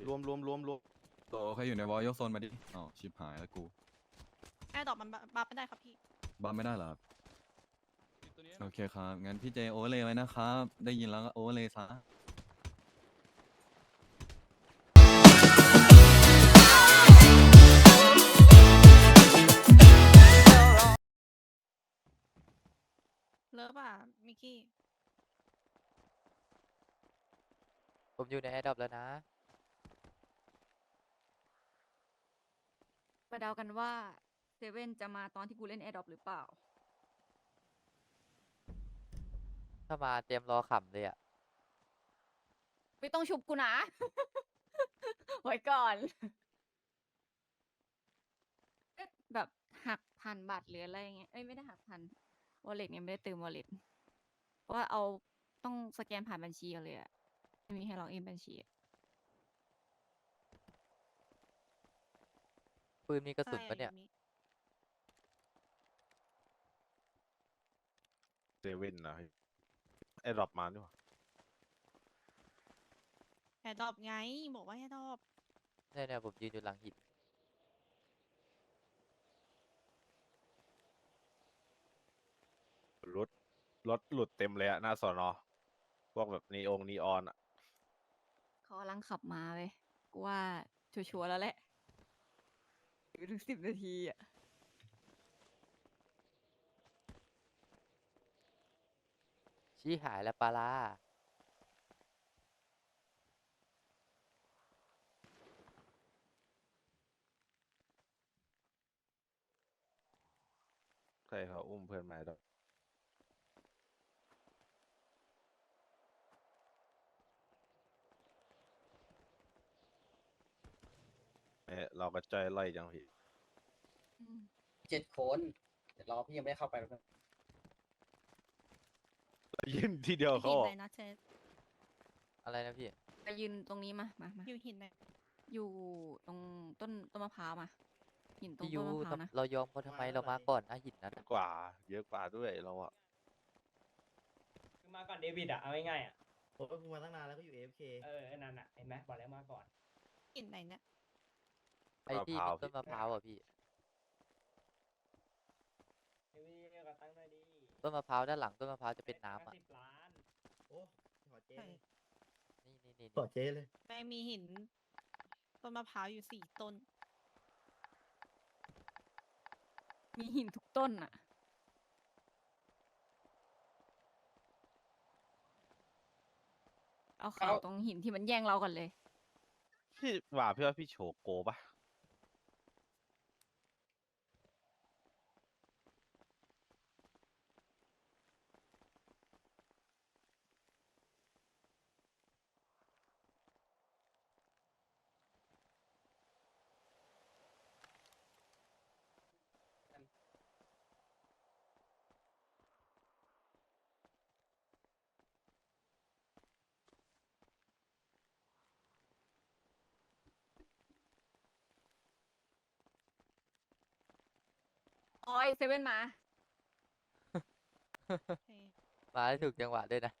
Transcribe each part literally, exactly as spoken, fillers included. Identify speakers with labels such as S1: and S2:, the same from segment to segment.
S1: รวมรวมรวมรวม
S2: โตใครอยู่ในวอลยกโซนมาดิอ๋อชิบหายแล้วกู
S3: แอร์ดรอปมันบัฟไม่ได้ครับพี่
S2: บัมไม่ได้เหรอครับโอเคครับงั้นพี่เจโอเวอร์เลยไว้นะครับได้ยินแล้วก็โอเวอร์เลยซะ
S3: เลิฟอ่ะมิกกี้
S4: ผมอยู่ในแอร์ดรอปแล้วนะ
S5: มาเดากันว่าเซเว่นจะมาตอนที่กูเล่นแอร์ดรอปหรือเปล่า
S4: ถ้ามาเตรียมรอขำเลยอ่ะ
S5: ไม่ต้องชุบกูนะ ไว้ก่อน เอ๊ะแบบหักพันบาทหรืออะไรเงี้ย เอ้ยไม่ได้หักพันวอลเล็ตเนี่ยไม่ได้เติมวอลเล็ตเพราะว่าเอาต้องสแกนผ่านบัญชีกันเลยอะไม่มีให้ล็อกอินบัญชีอะ
S4: ปืนมีกระสุนปะเนี่ย
S1: เซเว่นนะไอ้ดรอปมาด้วย
S3: แอร์ดรอปไงบอกว่าแอร์ดรอป
S4: เนี่ยเนี่ยผมยืนอยู่หลังหิน
S1: รถรถหลุดเต็มเลยอะหน้าสอนอพวกแบบนีองนีออนอะ
S5: เขากำลังขับมาเลยกูว่าชัวร์ๆแล้วแหละอยู่ถึงสิบนาทีอะ
S4: ชี้หายแล้วปลาลา
S1: ใช่เขาอุ้มเพื่อนมาด้วยเอ๊ะเราก็ใจไล่จังพี่
S5: อืม
S6: เจ็ดคนเดี๋ยวรอพี่ยังไม่ได้เข้าไปแป๊บนึง
S1: ยืนทีเดียวเขา
S3: หิน
S1: ออ
S3: ไหน
S1: ก
S3: นะเชส
S4: อะไรนะพี่
S5: ไปยืนตรงนี้มามามา
S3: อยู่หินไหน
S5: อยู่ตรงต้นต้นมะพร้าวมาหินตรง
S4: พี่ยู
S5: ต้นมะพร้าวนะ
S4: เรายอมเขาทำไมเรามาก่อนนะหินนั้น
S1: เย
S4: อะ
S1: อะกว่า เยอะกว่าด้วยเราอะ
S7: คือมาก่อนเดวิดอะเอาง่ายๆอะ
S6: ผมก็มาตั้งนานแล้วก็อยู่ เอ เอฟ เค
S7: เออไอ้นั่นอะเห็นไหมบอกแล้วมาก่อน
S3: หินไหนเนี่ย
S4: ไอ้ที่มีต้นมะพร้าวอ่ะพี่
S7: เดวิดก็ตั้งได้ดี
S4: ต้นมะพร้าวด้านหลังต้นมะพร้าวจะเป็นน้ำอ่ะ
S7: สิบล้าน
S6: โอ้ขอเจ๊
S3: ใช่
S6: เลย
S4: นี่นี่นี่
S6: ขอเจ๊เลย
S3: แม่งมีหินต้นมะพร้าวอยู่สี่ต้น
S5: มีหินทุกต้นอะเอาข่าวตรงหินที่มันแย่งเรากันเลย
S1: พี่ว่าพี่ว่าพี่โชโกปะ
S5: โอ้ยเซเว่นมา
S4: มาได้ถูกจังหวะด้วยนะ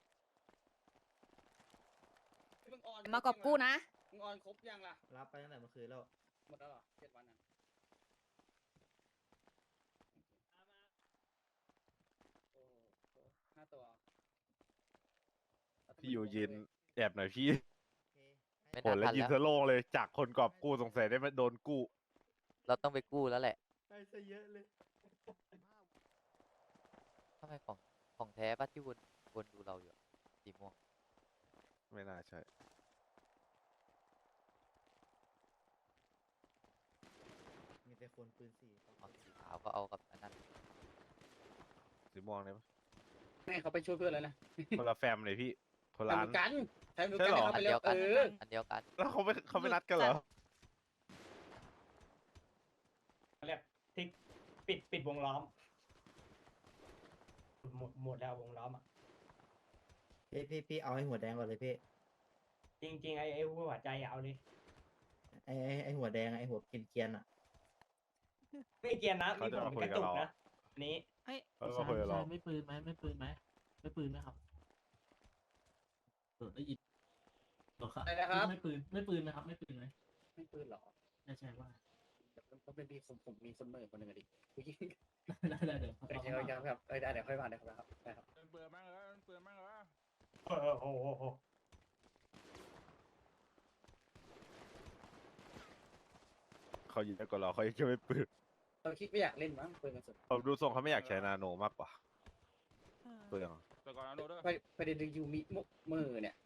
S6: มึงออน
S5: มากอบกู้นะ
S6: มึงออนครบยังล่ะ รับไปตั้งแต่เมื่อคืนแล้ว หมดแล้วเหรอเจ็ดวันอ่ะโอ้โหห้าตัว
S1: พี่อยู่ยืนแอบหน่อยพี่
S4: ไม่
S1: โห
S4: น่า
S1: แล้ว
S4: ทัน
S1: ยิง
S4: แล้ว
S1: สโลงเลยจากคนกอบกู้สงสัยได้มาโดนกู้
S4: เราต้องไปกู้แล้วแหละ
S6: ได้ซะเยอะเลย
S4: ทำไมของของแท้ปะที่วนวนดูเราอยู่อะสีม่วง
S1: ไม่น่าใช่
S6: มีแต่คนปืนสี่
S4: เอาสีขาวก็เอากับอันนั้น
S1: สีม่วงเลยปะ
S6: แม่เขาไปช่วยเพื่อนแล้วนะ
S1: คนละแฟมเลยพี่คน
S6: เห
S1: ละ
S6: มื
S1: อั
S6: อน นกันใช้เหมือน
S1: ใช่
S6: กัน
S1: เหรอ
S6: เข้า
S4: อั
S6: ไป
S4: น
S6: แล้
S4: เดียว วกัน
S6: เออ
S4: อันเดียวกัน
S1: แล้วเขาไม่เขาไม่นัดกันเหรอ
S7: เขาเรียกทิกปิดปิดวงล้อม หมดหมดแล้ววงล้อมอะ
S6: พี่พี่พี่เอาไอ้หัวแดงก่อนเลยพี่
S7: จริงๆไอ้ไอ้หัวใจอะเอาเลย
S6: ไอ้ไอ้ไอ้หัวแดงอะไอ้หัวกินเกียนๆอ่ะ
S7: ไม่เกียร์นะ
S1: เขา
S7: มี
S1: จะ
S7: ผม
S1: มาคุ
S7: ก
S1: ย
S7: ระ
S1: กับ
S7: ตุก
S1: เรา
S7: นะอันนี้
S3: เฮ้ย
S1: เขาก็คุยกับเรา
S8: ไม่ปืนไหมไม่ปืนไหมไม่ปืนไหมครับเออได้ยิน
S6: อะไรนะครับ
S8: ไม่ปืนไม่ปืนนะครับ ไม่ปืนไหม
S6: ไม่ปืนหรอ
S8: ใช่ใช่ว่า
S6: ก็เป็นพี่ผมผมมีคนเมื่อคนหนึ่งอะดิผู้หญิง
S8: ได้ได้เดี๋ยว
S6: โอเคโอเคครับเออได้เดี๋ยวค่อยมาเดี๋ยวครับได้ครับ
S7: เปลือยมากเลยเปลือยมากเลยโอ้โหโอ้โห
S1: เขายิงได้กว่าเราเขายังจะไม่ปืน
S6: เราคิดไม่อยากเล่นมั้งปืนกันสุด
S1: ผมดูทรงเขาไม่อยากใช้นาโนมากกว่า
S3: เออ
S1: เปลือง
S7: แต่ก่อนนะโน้ตด้วย
S6: ไปไปเดนยูมิมุกมือเนี่ย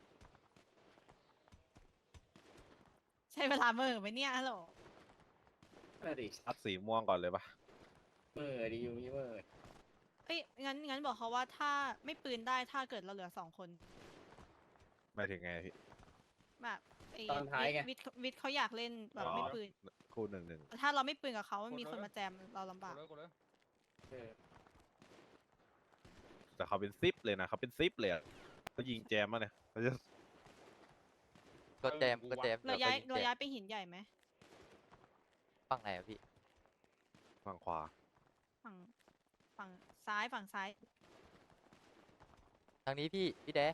S3: ใช้เวลาเมื่อไหมเนี่ยฮัลโหล
S6: น่าดิ
S1: อัดสีม่วงก่อนเลยปะ
S6: มือดียูมิมือ
S3: เอ้ยงั้นงั้นบอกเขาว่าถ้าไม่ปืนได้ถ้าเกิดเราเหลือสองคน
S1: หมายถึงไงพี่
S3: แบบไอ้
S6: ตอนท้ายไง
S3: วิทย์วิทย์เขาอยากเล่นแบบ
S1: อ๋อ
S3: ไม่ปืน
S1: คู่หนึ่งหนึ่ง
S3: ถ้าเราไม่ปืนกับเขามีคนมาแจมเราลำ
S7: ก
S3: บา
S7: ด
S3: ก
S7: เลยกดเลย
S6: เออ
S1: แต่เขาเป็นซิปเลยนะเขาเป็นซิปเลยอะเขายิงแจมมาเนี่ยเขาจะ
S4: ก็แจมก็แจม
S3: เรา
S4: ดี๋ว
S3: ย้าย
S4: ก็ง
S3: เรา
S4: แจม
S3: ย้ายไปหินใหญ่ไหม
S4: ฝั่งไหนอะพี่
S1: ฝั่งขวา
S3: ฝั่งฝั่งซ้ายฝั่งซ้าย
S4: ทางนี้พี่พี่แด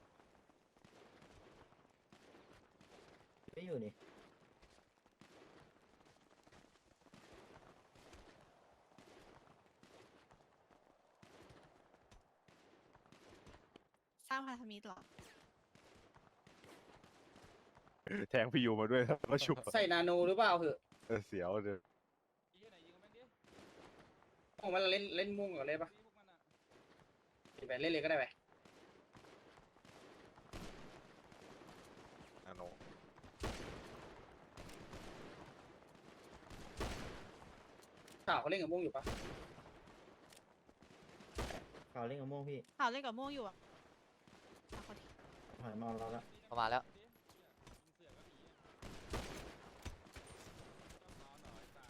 S6: ไม่อยู่นี่
S3: สร้างพันธมิตรเหรอ
S1: แทงพี่ยูมาด้วยแล้วก็ชุบ
S6: ใส่นาโนหรือเปล่าเหอะ
S1: เออเสียวเลย
S7: ยิงไหนยิงกันแม่งดิ
S6: โอ้มันเล่นเล่นม่วงก่อนเลยปะ
S7: พวกมันอ่ะ
S6: ไปเล่นเลยก็ได้ไป
S1: นาโน
S6: ข่าวเขาเล่นกับม่วงอยู่ปะข่าวเล่นกับม่วงพี่
S3: ข่าวเล่นกับม่วงอยู่อ่ะเอาเขาที
S6: หายมาแล้วละ
S4: เข้ามาแล้ว
S7: ยิงเสือก็หนีชอบนอนหน่อยตา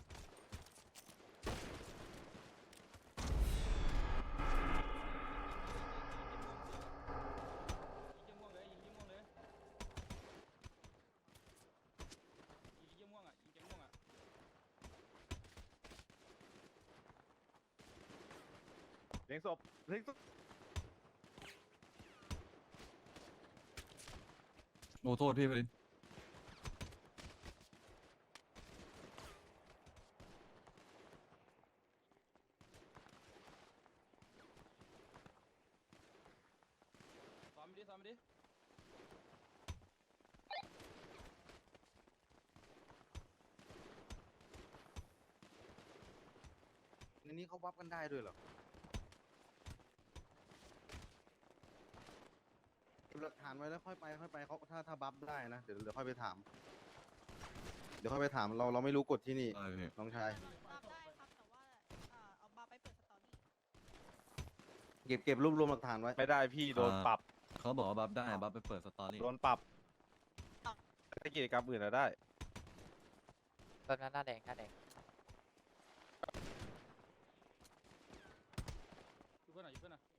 S7: ยิงม่วงเลยยิงม่วงเลยยิงม่วงอ่ะยิงม่วงอ่ะ
S1: เลี้ยงศพเลี้ยงศพ
S2: โอ้โทษพี่พลิน
S7: ซ้อมไปดิซ้อมไปดิ
S9: ในนี้เขาวับกันได้ด้วยเหรอเก็บหลักฐานไว้แล้วค่อยไปค่อยไปเขาถ้าถ้าบัฟได้นะ เดี๋ยวเดี๋ยวค่อยไปถาม เดี๋ยวค่อยไปถามเราเราไม่รู้กฎที่นี่
S2: ได้พี่
S9: น้องชาย
S3: รับได้ครับแต่ว่าเอ่อเอาบาร์ไปเปิดสตอรี่
S9: เก็บเก็บรวบรวมหลักฐานไว้
S1: ไม่ได้พี่โดนปรับ
S2: เขาบอกว่าบัฟได้บัฟไปเปิดสตอรี่
S1: โดนปรับถ้ากิจกรรมอื่นอะได้
S4: ตอนนั้นหน้าแดงหน้าแดง
S7: อยู่เพื่อนหน่อยอยู่เพื่อนหน่อย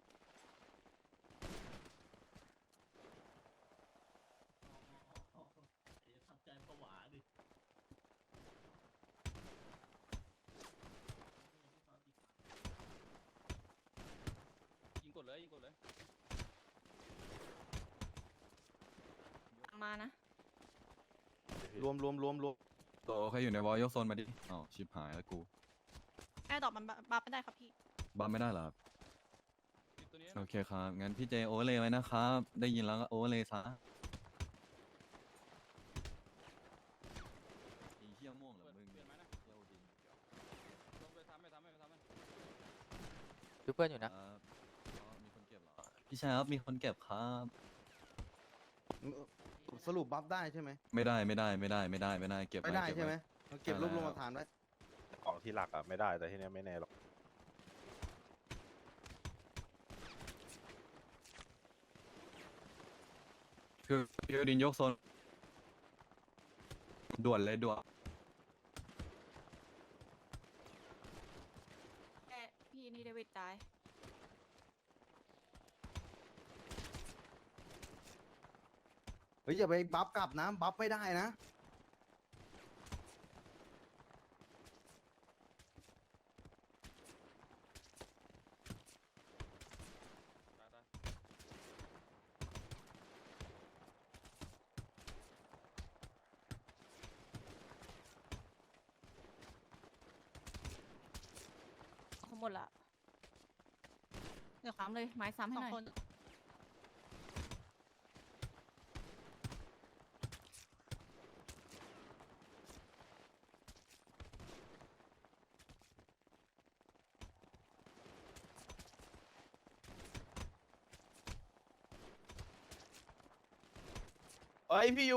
S7: ยิงกดเลยยิงกดเลย
S5: มานะ
S9: รวมรวมรวมรวม
S2: โตใครอยู่ในวอลยกโซนมาดิอ้าวชิบหายแล้วกู
S3: แอร์ดรอปมันบาร์ไม่ได้ครับพี่
S2: บัฟไม่ได้เหรอครับ
S7: ปิดตัวนี้
S2: โอเคครับ งั้นพี่เจโอเวอร์เลยไว้นะครับ ได้ยินแล้วก็โอเวอร์เลยซะไอ้เหี้ยม่วงเหรอมึง
S7: เปลี่ยนไหมนะ
S2: เหี้ยโอดิน
S7: ลงไปทำไปทำไปทำไป
S4: ดูเพื่อนอยู่
S2: ค
S4: นะ
S2: รับอ๋อมีคนเก็บเหรอ พี่ชายครับ มีคนเก็บครับ
S9: สรุปบัฟได้ใช่ไหม
S2: ไม่ได้ไม่ได้ไม่ได้ไม่ได้ไม่ได้เก็บ
S9: ไม่
S2: ว้
S9: ได้
S2: เก็บ
S9: ใช่ไหม
S2: ว้
S9: เราเก็บรวบรวมหลักฐานไว้
S1: ของที่หลักอะไม่ได้แต่ที่เนี้ยไม่แน่หรอก
S2: คือพี่โอดินยกโซนด่วนเลยด่วน
S5: แต่พี่นี่เดวิดตาย
S9: เฮ้ยอย่าไปบัฟกลับนะ บัฟไม่ได้นะ
S7: ตายตาย
S5: หมดละ
S3: เดี๋ยว
S5: ซ้ำเลยไม้ซ้ำให้
S3: สอ
S5: ห
S3: ง
S5: น่อย
S3: คน
S1: เอ้ยพี่ยู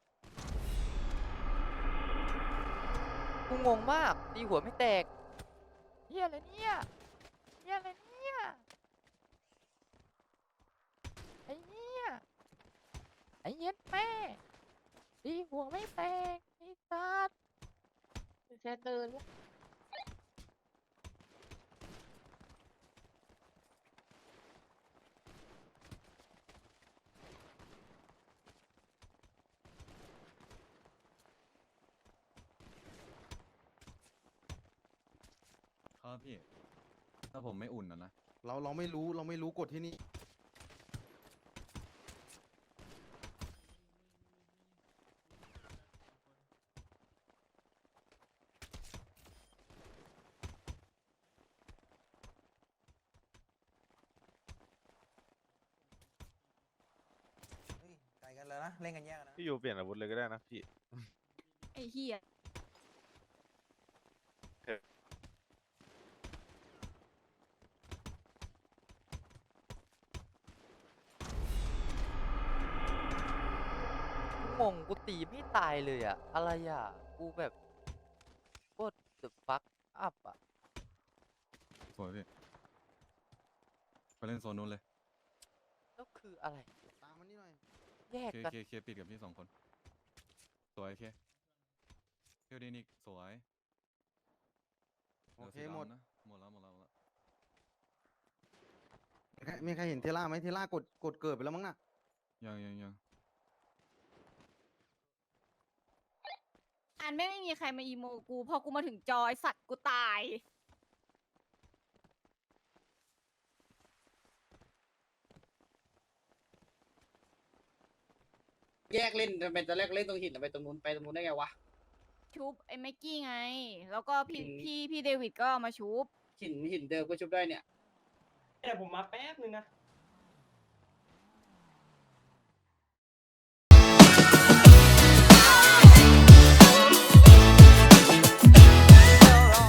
S4: กูงงมากตีหัวไม่แตกเฮียอะไรเนี่ยเฮียอะไรเนี่ยไอ้เฮียไอ้เหี้ย็ดแม่ตีหัวไม่แตกไอ้สัสแค่เดิน
S2: ครับพี่ ถ้าผมไม่อุ่นนะนะ
S9: เราเราไม่รู้เราไม่รู้กฎที่นี่
S6: ไกลกันแล้วนะ เล่นกันแยกนะ
S1: พี่ยูเปลี่ยนอาวุธเลยก็ได้นะพี่
S5: ไอ้เหี้ย
S4: งงกูตีไม่ตายเลยอะอะไรอะกูแบบโคตร the fuck up อะ
S2: สวยพี่ ไปเล่นโซนนู้นเลย
S4: แล้วคืออะไร
S9: ตามมันนี่หน่อย
S4: แยก
S2: เค
S4: กัน
S2: เคเคปิดกับพี่สองคน สวยเคเคียวดีนิกสวย
S9: โอเค
S2: ลืสี
S9: หมด
S2: ดำนะหมดแล้วหมดแล้วหมดแล้ว
S9: มีใครมีใครเห็นเทล่าไหมเทล่ากดกดเกิดไปแล้วมั้งน่ะ
S2: ยังยังยัง
S5: อันไม่ไม่มีใครมาอีโมกูพอกูมาถึงจอยสัตว์กูตาย
S6: แยกเล่นทำไมตอนแรกเล่นตรงหินทำไมตรงนู้นไปตรงนู้นได้ไงวะ
S5: ชุบไอ้ไมกกี้ไง แล้วก็พี่
S6: อืม
S5: พี่พี่เดวิดก็เอามาชุบ
S6: หินหินเดิมก็ชุบได้เนี่ย
S7: แต่ผมมาแป๊บนึงนะ